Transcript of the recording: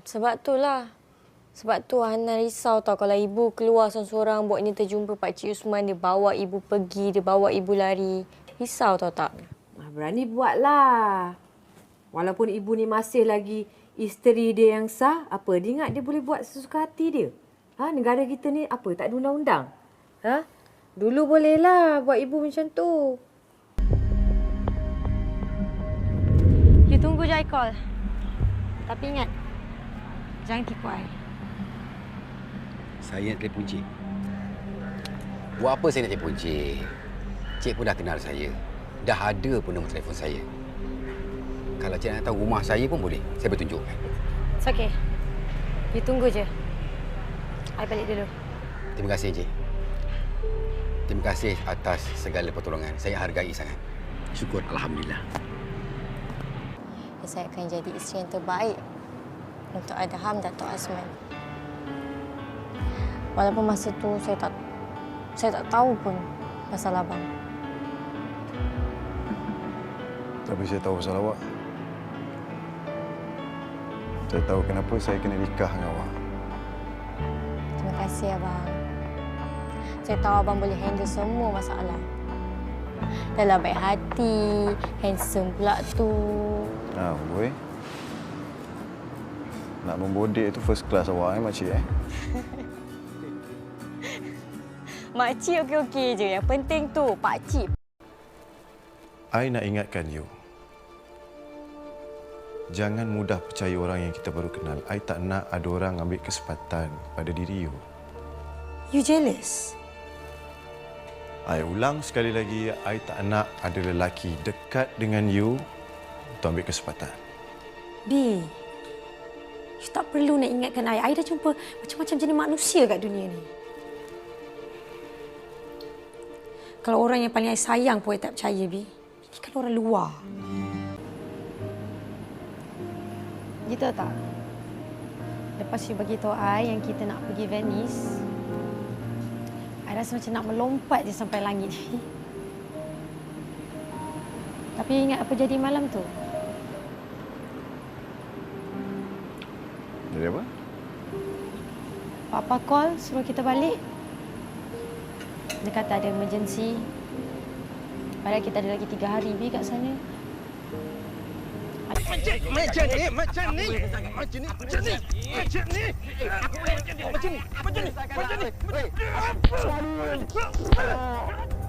Sebab tu lah. Sebab tu Hanan risau tau kalau ibu keluar seorang-seorang buatnya terjumpa Pak Cik Usman. Dia bawa ibu pergi, dia bawa ibu lari. Risau tau tak? Berani buatlah. Walaupun ibu ni masih lagi isteri dia yang sah, apa dia ingat dia boleh buat sesuka hati dia? Negara kita ni apa, tak ada undang-undang? Dulu bolehlah buat ibu macam tu. You tunggu je I call. Tapi ingat, jangan tipu I. Saya nak telefon Cik. Buat apa saya nak telefon Cik? Cik pun dah kenal saya. Dah ada pun nombor telefon saya. Kalau Cik nak tahu rumah saya pun boleh. Saya boleh tunjukkan. It's okay. You tunggu je. I balik dulu. Terima kasih, Cik. Terima kasih atas segala pertolongan. Saya hargai sangat. Syukur, Alhamdulillah. Saya akan jadi isteri yang terbaik untuk Adham Dato' Azman. Walaupun masa tu saya tak tahu pun pasal abang. Tapi saya tahu pasal awak. Saya tahu kenapa saya kena nikah dengan awak. Terima kasih, abang. Saya tahu abang boleh handle semua masalah. Dah lah baik hati, handsome pula tu. Boy. Nak membodek itu first class awak, makcik, Makcik okey-okey je. Yang penting tu, pakcik. I nak ingatkan you. Jangan mudah percaya orang yang kita baru kenal. I tak nak ada orang ambil kesempatan pada diri you. You jealous? I ulang sekali lagi, I tak nak ada lelaki dekat dengan you untuk ambil kesempatan. B, you tak perlu nak ingatkan I. I dah jumpa macam-macam jenis manusia kat dunia ni. Kalau orang yang paling I sayang pun I tak percaya, B. Ini kan orang luar. Gitu tak? Lepas you bagi tahu I yang kita nak pergi Venice, I rasa macam nak melompat je sampai langit. Tapi ingat apa jadi malam tu? Jadi apa? Papa call suruh kita balik. Dia kata ada emergency. Padahal kita ada lagi 3 hari B kat sana. Macam ni.